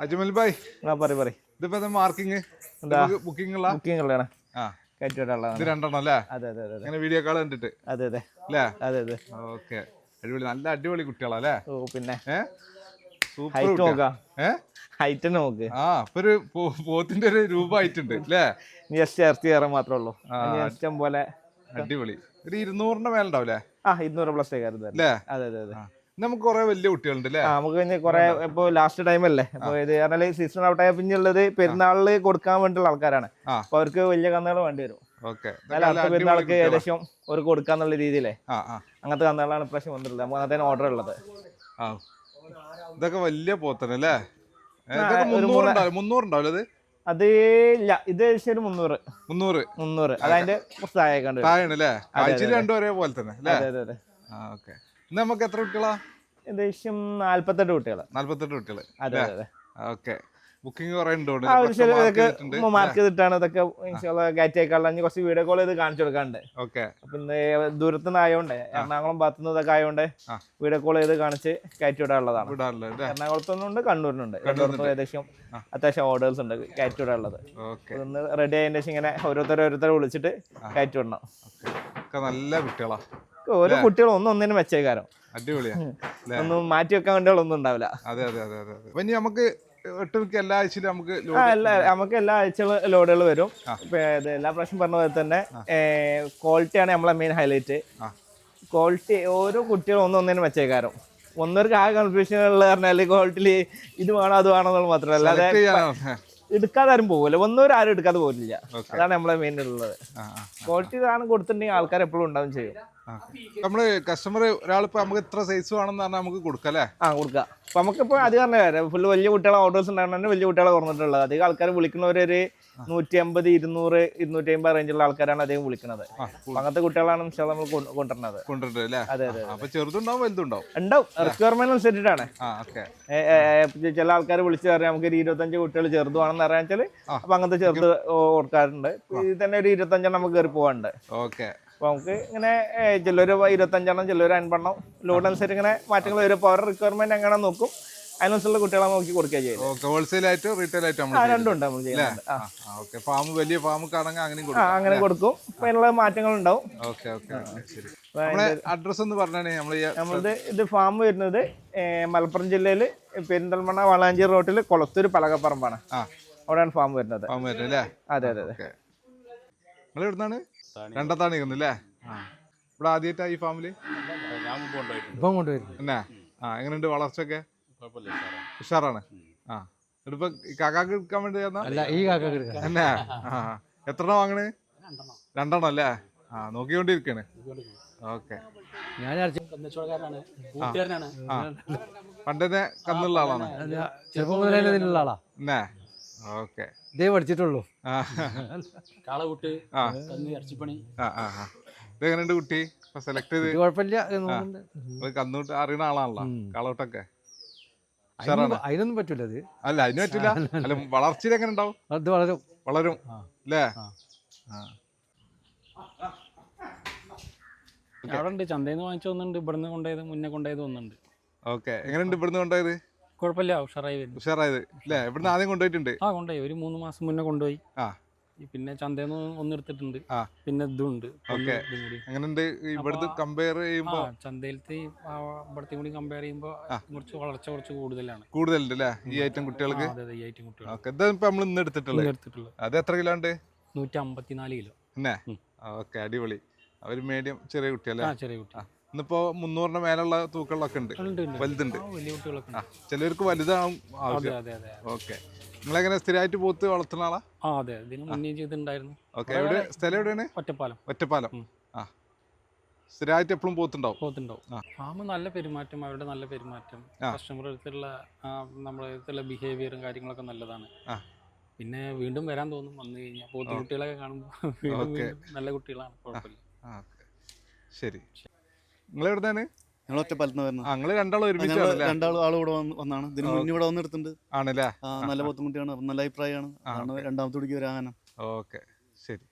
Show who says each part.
Speaker 1: അജ്മൽ ഭായ്
Speaker 2: പറ
Speaker 1: ഇതിപ്പോ marking booking ഉള്ള ഇത് രണ്ടെണ്ണം അല്ലേ? അങ്ങനെ വീഡിയോ കോൾ കണ്ടിട്ട് അല്ലേ? ഓക്കെ, അടിപൊളി, നല്ല അടിപൊളി കുട്ടികളല്ലേ?
Speaker 2: പിന്നെ
Speaker 1: സൂപ്പർ നോക്ക്. ആ ഇപ്പൊ ഒരു പോത്തിന്റെ ഒരു രൂപമായിട്ടുണ്ട് അല്ലേ?
Speaker 2: ഇറച്ചി കയറാൻ മാത്രമേ ഉള്ളൂ, ഇഷ്ടം പോലെ.
Speaker 1: അടിപൊളി. ഒരു 200ന്റെ മേലുണ്ടാവില്ലേ?
Speaker 2: 200 പ്ലസ്
Speaker 1: അല്ലേ? നമുക്ക് കുറെ വലിയ കുട്ടികളുണ്ട് അല്ലേ?
Speaker 2: നമുക്ക് കുറെ ഇപ്പൊ ലാസ്റ്റ് ടൈം അല്ലേ, അപ്പൊ ഇത് പറഞ്ഞാൽ സീസൺ ഔട്ട് ആയ പിന്നുള്ളത് പെരുന്നാളില് കൊടുക്കാൻ വേണ്ടിയുള്ള ആൾക്കാരാണ്. അപ്പൊ അവർക്ക് വലിയ കന്നുകൾ വേണ്ടി വരും. അടുത്ത പെരുന്നാൾക്ക് ഏകദേശം ഒരു കൊടുക്കാന്നുള്ള രീതിയിലേ അങ്ങനത്തെ കന്നുകളാണ് ഇപ്രാവശ്യം വന്നിട്ടുള്ളത്. നമുക്ക് അങ്ങനത്തെ ഓർഡർ ഉള്ളത്.
Speaker 1: ഇതൊക്കെ വലിയ പോത്തനല്ലേ? 300 ഉണ്ടാവില്ല?
Speaker 2: അത് ഇല്ല, ഇത് ഏകദേശം ഒരു 300. അതതിന്റെ കുറച്ച്
Speaker 1: താഴെയാണല്ലേ? രണ്ടും ഒരേപോലെ തന്നെ അല്ലേ? ഓക്കെ. നമുക്ക് എത്ര കുട്ടികളാ?
Speaker 2: ഏകദേശം 48 കുട്ടികൾ.
Speaker 1: 48 കുട്ടികൾ. ഓക്കെ. ബുക്കിംഗ് കുറെ
Speaker 2: മാർക്ക് ചെയ്തിട്ടാണ് ഇതൊക്കെ കയറ്റി അയക്കാനുള്ള. കുറച്ച് വീഡിയോ കോൾ ചെയ്ത് കാണിച്ചു കൊടുക്കാണ്ട്. പിന്നെ ദൂരത്തുനിന്ന് ആയതുകൊണ്ട്, എറണാകുളം ഭാഗത്തുനിന്ന് ഇതൊക്കെ ആയതുകൊണ്ട് വീഡിയോ കോൾ ചെയ്ത് കാണിച്ച് കയറ്റി വിടാനുള്ളതാണ്. എറണാകുളത്തുനിന്നുണ്ട്, കണ്ണൂരിനുണ്ട്. ഏകദേശം അത്യാവശ്യം ഓർഡേഴ്സ് ഉണ്ട് കയറ്റി വിടാനുള്ളത്. ഒന്ന് റെഡി ആയതിനു ശേഷം ഇങ്ങനെ ഓരോരുത്തരെ വിളിച്ചിട്ട് കയറ്റി വിടണം.
Speaker 1: നല്ല കുട്ടികളാ.
Speaker 2: ഓരോ കുട്ടികളും ഒന്നൊന്നിനും വെച്ചേക്കാരം.
Speaker 1: അടിപൊളിയാ.
Speaker 2: ഒന്നും മാറ്റി വെക്കാൻ വേണ്ടിയൊന്നും ഉണ്ടാവില്ല.
Speaker 1: നമുക്ക് എല്ലാ ആഴ്ചയിലും
Speaker 2: നമുക്ക് എല്ലാ ആഴ്ചകളും ലോഡുകൾ വരും. എല്ലാ പ്രാവശ്യം പറഞ്ഞ പോലെ തന്നെ ക്വാളിറ്റിയാണ് നമ്മളെ മെയിൻ ഹൈലൈറ്റ്. ക്വാളിറ്റി ഓരോ കുട്ടികളും ഒന്നൊന്നിനും വെച്ചേക്കാരം. ഒന്നൊരു കൺഫ്യൂഷൻ ഉള്ള പറഞ്ഞാല് ക്വാളിറ്റിയിൽ ഇത് വേണോ അത് വേണോ എന്നുള്ള മാത്രമല്ല, അല്ലാതെ എടുക്കാതെ ആരും പോകില്ല. ആരും എടുക്കാതെ പോകില്ല. അതാണ് നമ്മളെ മെയിൻ ഉള്ളത്. ക്വാളിറ്റി സാധനം കൊടുത്തിട്ടുണ്ടെങ്കിൽ ആൾക്കാർ എപ്പോഴും ഉണ്ടാവും ചെയ്യും.
Speaker 1: നമ്മള് കസ്റ്റമർ ഒരാളിപ്പോ നമുക്ക് ഇത്ര സൈസ് വേണമെന്ന് പറഞ്ഞാൽ നമുക്ക് കൊടുക്കല്ലേ?
Speaker 2: കൊടുക്കാം. അപ്പൊ നമുക്കിപ്പോ അത് പറഞ്ഞ ഫുള്ള് വലിയ കുട്ടികളെ ഓർഡേഴ്സ് ഉണ്ടാകുന്ന വലിയ കുട്ടികളെ കുറഞ്ഞിട്ടുള്ളത്. അധികം ആൾക്കാർ വിളിക്കുന്നവരൊരു 150, 200, 250 റേഞ്ചുള്ള ആൾക്കാരാണ് അധികം വിളിക്കുന്നത്. അങ്ങനത്തെ കുട്ടികളാണ് നമ്മൾ കൊണ്ടുവരുന്നത്. ഉണ്ടാവും, റിക്വയർമെന്റ് അനുസരിച്ചിട്ടാണ്. ചില ആൾക്കാർ വിളിച്ചു പറയാം നമുക്ക് ഒരു 25 കുട്ടികൾ ചെറുതാണെന്ന് അറിയാച്ചാൽ അപ്പൊ അങ്ങനത്തെ ചെറുത് കൊടുക്കാറുണ്ട്. ഇത് തന്നെ ഒരു 25 നമുക്ക് കയറി പോകാനുണ്ട്. അപ്പൊ നമുക്ക് ഇങ്ങനെ ചിലര് 25, ചിലര് 50 ലോഡ് അനുസരിച്ച് ഇങ്ങനെ മാറ്റങ്ങൾ വരും. അപ്പോൾ അവരുടെ റിക്വയർമെന്റ് എങ്ങനെ നോക്കും, അതിനനുസരിച്ചുള്ള കുട്ടികളെ നോക്കി കൊടുക്കുക ചെയ്യുന്നത്.
Speaker 1: ഹോൾസെയിൽ ആയിട്ട് റീറ്റെയിൽ ആയിട്ട്
Speaker 2: രണ്ടുണ്ട് നമ്മൾ ചെയ്യുന്നത്. അങ്ങനെ കൊടുക്കും. അപ്പൊ അതിനുള്ള മാറ്റങ്ങൾ ഉണ്ടാവും.
Speaker 1: അഡ്രസ് ഒന്ന് പറഞ്ഞേ.
Speaker 2: നമ്മളത് ഇത് ഫാം വരുന്നത് മലപ്പുറം ജില്ലയിൽ പെരിന്തൽമണ്ണ വളാഞ്ചേരി റോട്ടിൽ കൊളത്തൂർ പലകപ്പറമ്പാണ്. അവിടെയാണ് ഫാം വരുന്നത്. അതെ.
Speaker 1: നിങ്ങൾ എവിടുന്നാണ്? രണ്ടത്താണ് നിൽക്കുന്നല്ലേ? ഇവിടെ ആദ്യമായിട്ടാ ഈ ഫാമില്? എന്നാ എങ്ങനെയുണ്ട് വളർച്ചയൊക്കെ? ഉഷാറാണ്. ഇതിപ്പോ കാക്കാക്ക് എടുക്കാൻ വേണ്ടി എന്നാ എത്ര വാങ്ങണ്? 2 അല്ലേ? നോക്കിക്കൊണ്ടിരിക്കാണ്. ഓക്കെ. പണ്ടേ കന്നുള്ള ആളാണ്? എന്നാ ഓക്കെ.
Speaker 3: ഇതേ പഠിച്ചിട്ടുള്ളൂ.
Speaker 1: ഇതെങ്ങനെയുണ്ട് കുട്ടി? സെലക്ട് ചെയ്ത്
Speaker 3: കുഴപ്പമില്ല.
Speaker 1: കന്നൂട്ട് അറിയുന്ന ആളാണല്ലോ കാളോട്ടൊക്കെ.
Speaker 3: അതിനൊന്നും പറ്റൂല. അത്
Speaker 1: അല്ല, അതിന് പറ്റില്ല. അല്ല, വളർച്ചയിൽ എങ്ങനെ ഉണ്ടാവും?
Speaker 3: അത് വളരും
Speaker 1: അല്ലേ?
Speaker 4: അവിടെ ഉണ്ട്. ചന്തയിൽ നിന്ന് വാങ്ങിച്ചു വന്നിട്ടുണ്ട്. ഇവിടുന്ന് കൊണ്ടുപോയത് മുന്നേ കൊണ്ടുപോയത് ഒന്നുണ്ട്.
Speaker 1: ഓക്കെ. എങ്ങനെയുണ്ട് ഇവിടുന്ന് കൊണ്ടുപോയത്?
Speaker 4: കുഴപ്പമില്ല, ഉഷാറായത്
Speaker 1: അല്ലേ? ഇവിടുന്ന് ആദ്യം കൊണ്ടുപോയിട്ടുണ്ട്?
Speaker 4: കൊണ്ടുപോയി. ഒരു 3 മാസം മുന്നേ കൊണ്ടുപോയി. പിന്നെ ചന്തയിൽ നിന്ന് ഒന്നെടുത്തിട്ടുണ്ട്. പിന്നെ ഇതുണ്ട്.
Speaker 1: എങ്ങനെയുണ്ട് ഇവിടുത്തെ കമ്പയർ ചെയ്യുമ്പോ?
Speaker 4: ചന്തയിലത്തെ ഇവിടത്തെ കൂടി കമ്പയർ ചെയ്യുമ്പോ കുറച്ച് വളർച്ച കുറച്ച് കൂടുതലുണ്ട്
Speaker 1: അല്ലേ ഈ ഐറ്റം കുട്ടികൾക്ക്? നമ്മൾ ഇന്ന് എടുത്തിട്ടുള്ളത്. അത് എത്ര കിലോ ഉണ്ട്?
Speaker 4: 154 കിലോ.
Speaker 1: ഓക്കെ, അടിപൊളി. അവര് മീഡിയം ചെറിയ കുട്ടിയല്ലേ?
Speaker 4: ചെറിയ കുട്ടി.
Speaker 1: ഇന്നിപ്പോ 300ന്റെ മേലുള്ള തൂക്കങ്ങളൊക്കെ ഉണ്ട്, വലുതുണ്ട്.
Speaker 4: വലിയ കുട്ടികളൊക്കെ
Speaker 1: ചിലർക്ക് വലുതാണ് ആവശ്യം. ഓക്കെ. നിങ്ങളെങ്ങനെ സ്ഥിരമായിട്ട് പോത്ത് വളർത്തുന്ന ആളാ?
Speaker 4: അതെ, ഇതിന് മുന്നേ ചെയ്തിട്ടുണ്ടായിരുന്നു.
Speaker 1: ഓക്കെ. സ്ഥലം എവിടെയാണ്? ഒറ്റപ്പാലം. സ്ഥിരമായിട്ട് എപ്പോഴും പോത്തുണ്ടാവും.
Speaker 4: ഫാം നല്ല പെരുമാറ്റം, അവരുടെ നല്ല പെരുമാറ്റം, കസ്റ്റമർ അടുത്തുള്ള നമ്മുടെ അടുത്തുള്ള ബിഹേവിയറും കാര്യങ്ങളൊക്കെ നല്ലതാണ്. പിന്നെ വീണ്ടും വരാൻ തോന്നും വന്നു കഴിഞ്ഞാൽ. പോത്ത് കുട്ടികളൊക്കെ കാണുമ്പോൾ നല്ല കുട്ടികളാണ്, കുഴപ്പമില്ല.
Speaker 1: ശരി. നിങ്ങൾ എവിടുന്നാണ്?
Speaker 3: ഞങ്ങൾ ഒറ്റപ്പാലത്ത് വരുന്നത്.
Speaker 1: ഞങ്ങള് രണ്ടാളും ഒരുമിച്ച്
Speaker 3: ആൾ ഇവിടെ വന്നാണ്. ഇതിന് മുന്നേ ഇവിടെ വന്നെടുത്തിട്ടുണ്ട്.
Speaker 1: ആണല്ലേ?
Speaker 3: നല്ല പോത്തുകുട്ടിയാണ്, നല്ല അഭിപ്രായമാണ്. രണ്ടാമത്തെ കുടിക്ക് വരാനും.
Speaker 1: ഓക്കെ, ശരി.